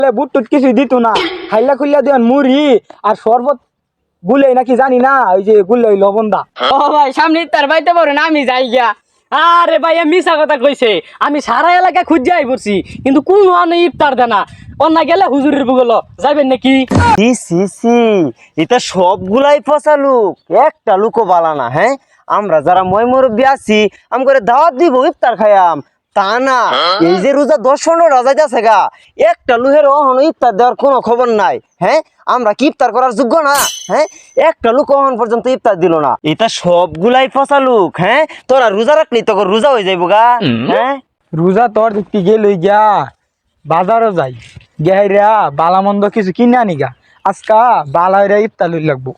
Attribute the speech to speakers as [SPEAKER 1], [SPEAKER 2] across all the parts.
[SPEAKER 1] বুট টুট কিছু দিত না, হাইলা খুললা দেন মুড়ি আর শরবত গুলে নাকি জানি না, ওই যে গুলে ওই লবণদা।
[SPEAKER 2] ও ভাই সামনে ইফতার পাইতে পারেন, আমি যাই গিয়া। আরে ভাই মিশা কথা কইছে, আমি সারা এলাকা খুঁজাই পড়ছি কিন্তু কোন আনে ইফতার দেনা। অন্য গেলে হুজুরের বুগল যাবেন নাকি?
[SPEAKER 3] এটা সবগুলাই ফসা লোক, একটা লুকো বালা না। হ্যাঁ, আমরা যারা মই মুরব্বী আছি আম করে দাওয়াত দিব ইফতার খাইয়াম, তা না। এই যে রোজা 10-15 রাজা যাচ্ছে গা, একটা লুহের অহন ইফতার দেওয়ার কোনো খবর নাই। হ্যাঁ, আমরা কি ইফতার করার যোগ্য না? হ্যাঁ, একটা লোক অহন পর্যন্ত ইফতার দিল না। এটা সবগুলাই ফসা লোক। হ্যাঁ, তোরা রোজা রাখলি তোর রোজা হয়ে যাইব গা। হ্যাঁ,
[SPEAKER 1] রোজা তোর দেখতে গেল গিয়া বাজারও যাই গেহাইরা বালামন্দ কিছু কিনে আনি গা, আজকা বালাইরা ইফতার লই লাগবো।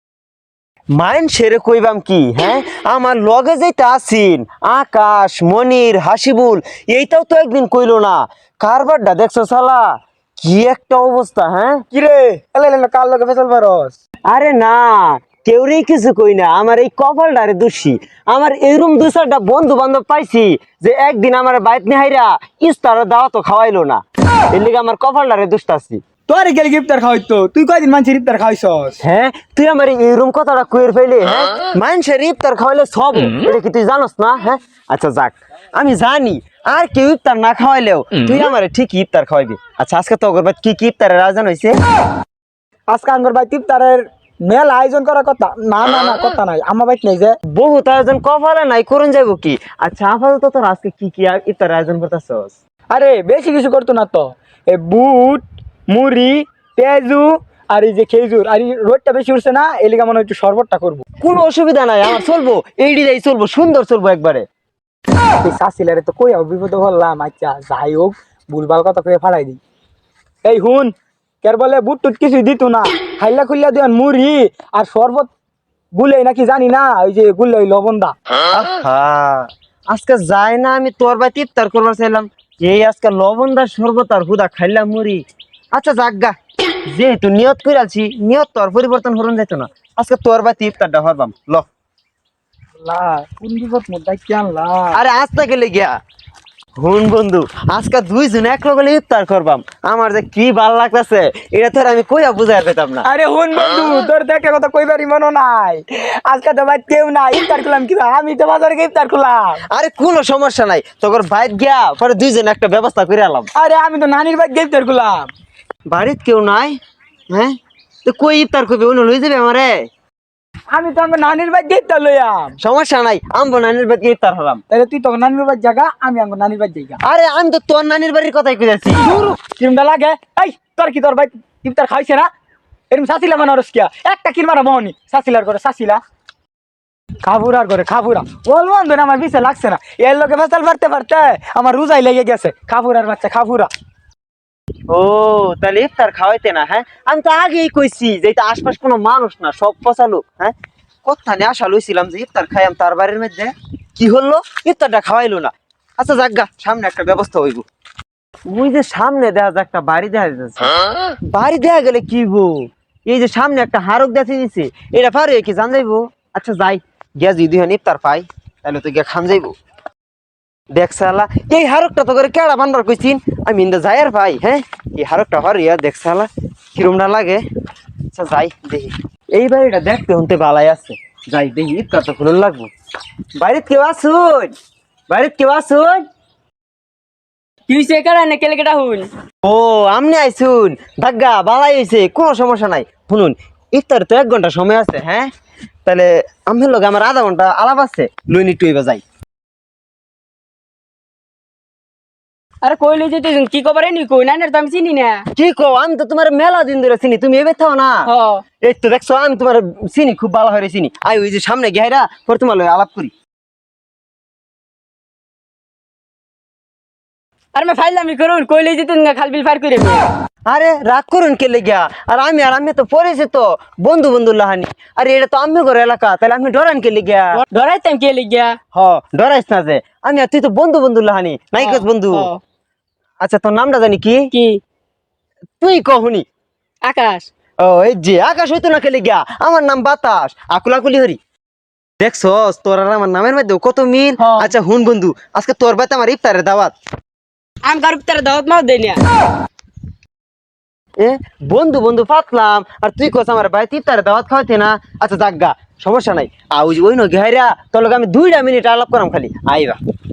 [SPEAKER 3] মাইন সেরে কইবাম কি? হ্যাঁ, আমার লগে যেটা আসিন আকাশ, মনির, হাসিবুল, এইটাও তো একদিন কইলো না। কারবারটা দেখছো শালা, কি একটা অবস্থা। হ্যাঁ,
[SPEAKER 1] কিরে এলে কার লগে ফেসাল পারস?
[SPEAKER 3] আরে না, কেউরেই কিছু কই না। আমার এই কপালটারে দোষী। আমার এইরকম 2-4টা বন্ধু বান্ধব পাইছি যে একদিন আমার বাইত নেহাইরা ইস্তার দাওয়া তো খাওয়াইলো না। এর লিগে আমার কপালটারে দোষটাছি।
[SPEAKER 1] তোর গেলে ইফতার খাওয়াইতো, তুই কয়দিন মানুষের ইফতার খাওয়াইছস?
[SPEAKER 3] হ্যাঁ, তুই আমার এইরকম কথাটা কইর ফেলে। হ্যাঁ, মানুষের ইফতার খাওয়াইলে সব, এটা কি তুই জানোস না? হ্যাঁ, আচ্ছা যাক, আমি জানি আর কেউ ইফতার না খাওয়াইলেও তুই আমারে ঠিক ইফতার খাওয়াইবি। আচ্ছা, আজকে তো অগরবাদ কি কি ইফতারের আয়োজন হয়েছে?
[SPEAKER 1] আজকে আঙ্গর ভাই ইফতারের মেলা আয়োজন করার কথা। না না না, কথা নাই, আমার বাইক নেই যে।
[SPEAKER 3] বহুত আয়োজন কপালে নাই, করুন যাইব কি? আচ্ছা, আপাতত তোর আজকে কি কি ইফতার আয়োজন করতেছস?
[SPEAKER 1] আরে বেশি কিছু করতো না তো, এই বুট, মুড়ি, পেঁয়াজু আর এই যে খেজুর, আর এই রোদটা বেশি উঠছে না, এই লিগা মনে হয় একটু শরবতটা করবো।
[SPEAKER 3] কোনো অসুবিধা নাই, আমার চলবো, এইডি যাই চলবো, সুন্দর চলবো একবারে।
[SPEAKER 1] এই শাসিলারে তো কই বিপদে বললাম। আচ্ছা যাই হোক, ভুলভাল কথা কয়ে ফালাই দিই। এই হুন, কের বলে বুট টুট কিছুই দিত না, হাইলা খুললা দেন মুড়ি আর শরবত গুলে নাকি জানি না, ওই যে গুলে ওই লবণদা।
[SPEAKER 3] হ্যাঁ, আজকে যাই না, আমি তোর বাড়িতে ইফতার করবার চাইলাম, এই আজকে লবণদার শরবত আর হুদা খাইলাম মুড়ি। আচ্ছা যাগগা, যেহেতু নিয়ত করে আছি, নিয়ত তোর পরিবর্তন হরণ যাইতো না। আজকে তোর বাড়িতে ইফতারটা হরবাম ল।
[SPEAKER 1] কোন বিপদ মোদ্দায় কি আনলা?
[SPEAKER 3] আরে আজ থেকে গিয়া হুন বন্ধু, আজকে দুইজন এক লগে ইফতার করবাম। আমার যে কি ভাল লাগতেছে, এটা তোর আমি কইয়া বুঝাই পেতাম না।
[SPEAKER 1] আরে হুন বন্ধু, তোর দেখে কথা কইবারই মনে নাই। আজকে তো ভাই কেউ নাই, ইফতার করলাম কি আমি তো বাজারে গিয়ে ইফতার করলাম।
[SPEAKER 3] আরে কোনো সমস্যা নাই, তোর বাইক গিয়া পরে দুইজন একটা ব্যবস্থা করে আলাম।
[SPEAKER 1] আরে আমি তো নানির ভাই গিয়ে ইফতার করলাম।
[SPEAKER 3] বাড়িতে কেউ নাই? হ্যাঁ, তো কই ইফতার করবি? অন্য লই যাবে আমারে?
[SPEAKER 1] আমি তো আমার নানির ভাই গিয়ে ইফতার লইয়াম।
[SPEAKER 3] সমস্যা নাই, আমবো নানির বাড়িতে ইফতার হলাম।
[SPEAKER 1] তাহলে তুই তো নানির ভাই জায়গা, আমি আমার নানির ভাই জায়গা।
[SPEAKER 3] আরে আমি তো তোর নানির বাড়ির কথাই কইতাছি।
[SPEAKER 1] কিরমটা লাগে? এই তোর কি তোর ভাই ইফতার খাইছে না? এরকম শাসিলা মানে রসকিয়া একটা কিনবার মোহনি শাসিলার করে শাসিলা খাবুরার করে খাবুরা বল বন্ধু না, আমার পিছে লাগছে না। এর লোকে ফেসাল পারতে পারতে আমার রোজাই লেগে গেছে। খাবুরার বাচ্চা খাবুরা।
[SPEAKER 3] ও, তাহলে ইফতার খাওয়াইতে না? হ্যাঁ, আমি তো আগেই কইছি যে এটা আশপাশ কোনো মানুষ না, সব পচা লোক। হ্যাঁ, কথা নিয়ে আশা লইছিলাম যে ইফতার খাইয়াম তার বাড়ির মধ্যে, কি হলো? ইফতারটা খাওয়াইলো না। আচ্ছা যাগগা, সামনে একটা ব্যবস্থা হইব। ওই যে সামনে দেখা যায় একটা বাড়ি দেখা যাচ্ছে, বাড়ি দেখা গেলে কি গো, এই যে সামনে একটা হারক দেখে দিছে, এটা পারে কি জান যাইবো? আচ্ছা যাই, গিয়া যদি ইফতার পাই তাহলে তো গিয়া খান যাইবো। দেখছালা, এই হারকটা তো করে কেডা বানবার কইছিন, আমি ইন্দা যাই আর ভাই। হ্যাঁ, এই হারকটা হরিয়া দেখছালা কিরমটা লাগে। আচ্ছা যাই দেখি, এই বাড়িটা দেখতে হতে ভালাই আছে, যাই দেখি ইফতার তো খুলন লাগবো। বাড়িত কেউ আসুন? বাড়িত কেউ আসুন?
[SPEAKER 2] কি হইছে কারা না কেলে কেটা হুন?
[SPEAKER 3] ও, আমনি আইসুন? ভাগ্যা বালাই হয়েছে, কোনো সমস্যা নাই। শুনুন, ইফতার তো 1 ঘন্টা সময় আছে। হ্যাঁ, তাহলে আমার লগে আমার আধা ঘন্টা আলাপ আছে, লইনি টুইবা যাই।
[SPEAKER 2] আরে কইলে যেতে কি কবারে নি কই না তো আমি চিনি না।
[SPEAKER 3] কি কো? আমি তো তোমার মেলা দিন ধরে চিনি, তুমি এবে থাও না।
[SPEAKER 2] হ,
[SPEAKER 3] এই তো দেখছো, আমি তোমার চিনি, খুব ভালো হয়ে চিনি। আই ওই যে সামনে গেহাইরা পর তোমার লগে আলাপ করি।
[SPEAKER 2] আরে মে ফাইলামি করুন, কইলে যেতে না খালবিল ফার করে।
[SPEAKER 3] আরে রাগ করুন কে লেগিয়া? আর আমি তো পরিচিত বন্ধু বন্ধু লাহানি। আরে এটা তো আমি ঘর এলাকা, তাহলে আমি ডরান কে লেগিয়া?
[SPEAKER 2] ডরাইতাম কে লিগা?
[SPEAKER 3] হ, ডরাইস না যে, আমি আর তুই তো বন্ধু বন্ধু লাহানি, নাই কস বন্ধু। আচ্ছা, তোর নামটা জানি কি?
[SPEAKER 2] কি?
[SPEAKER 3] তুই কহুনি।
[SPEAKER 2] আকাশ।
[SPEAKER 3] ও, এই যে আকাশ হইতো না খেলে গিয়া, আমার নাম বাতাস, আকুলাকুলি হরি। দেখছস, তোর আর আমার নামের মধ্যে কত মিল। আচ্ছা হুন বন্ধু, আজকে তোর বাড়িতে আমার ইফতারের দাওয়াত।
[SPEAKER 2] আমি কারো তার দাওয়াত মাও দেই না।
[SPEAKER 3] বন্ধু বন্ধু পাতলাম আর তুই কস আমার ভাই ইফতারে দাওয়াত খাওয়াইতে না। আচ্ছা জাগা সমস্যা নাই। ওই ন ঘেরা তোর লগে আমি 2টা মিনিট আলাপ করাম খালি আইবা।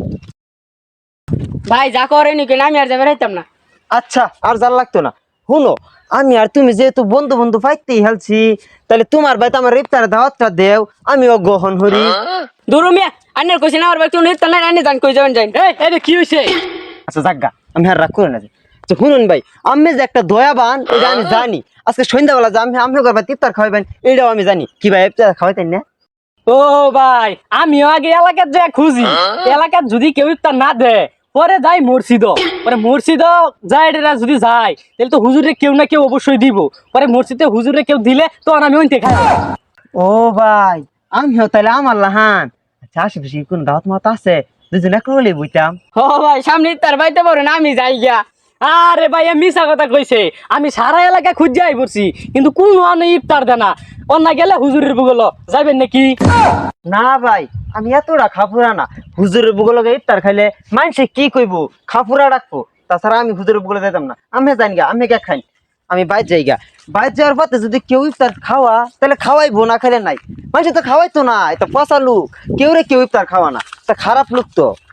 [SPEAKER 2] ভাই যা করেনি কেন আমি আর যাবে রাইতাম না।
[SPEAKER 3] আচ্ছা আর জাল লাগতো না। শুনো আমি আর তুমি যেহেতু বন্ধু বন্ধু পাইতেই হেলছি, তাহলে তোমার ভাই তো আমার ইফতারে দাওয়াতটা দেও, আমিও গ্রহণ করি।
[SPEAKER 2] দূর মিয়া আন্নের কইছি না আমার ভাই তুমি ইফতার নাই আন্নে জান কই যাবেন যাই। এই কি হইছে?
[SPEAKER 3] আচ্ছা জাগা আমি আর রাগ করে না। আচ্ছা শুনুন ভাই, আমি যে একটা দয়াবান এটা আমি জানি। আজকে সন্ধ্যাবেলা যে আমি করবা ইফতার খাওয়াইবেন এটাও আমি জানি। কি ভাই ইফতার খাওয়াইতেন না?
[SPEAKER 2] ও ভাই আমিও আগে এলাকার যা খুঁজি, এলাকার যদি কেউ ইফতার না দেয় পরে যাই মসজিদ, পরে মসজিদ যায় এটা যদি যায় তাহলে তো হুজুরে কেউ না কেউ অবশ্যই দিব। পরে মসজিদে হুজুরে কেউ দিলে তখন আমি ওইতে খাই।
[SPEAKER 3] ও ভাই আমিও তাহলে আমার লাহান। আচ্ছা আশেপাশে কোন দাওয়াত মাত আছে দুজন একলে বইতাম।
[SPEAKER 2] ও ভাই সামনে ইফতার পাইতে পারো না আমি যাই গিয়া। আরে ভাই মিশা কথা কইছে, আমি সারা এলাকা খুঁজে আই পড়ছি কিন্তু কোন ইফতার দেয় না। অন্য গেলে হুজুরের বুগল যাবেন নাকি?
[SPEAKER 3] না ভাই আমি এতটা খাফুরা না। হুজুরের বুগল ইফতার খাইলে মানুষে কি কইব, খাফুরা রাখবো। তাছাড়া আমি হুজুরের বুগলে যাইতাম না। আমি জানি গা আমি কে খাই, আমি বাইর যাইগা। বাইর যাওয়ার পথে যদি কেউ ইফতার খাওয়া তাহলে খাওয়াইবো, না খাইলে নাই। মানুষ তো খাওয়াইতো না, এটা পচা লোক। কেউ ইফতার খাওয়া না, তা খারাপ লোক তো।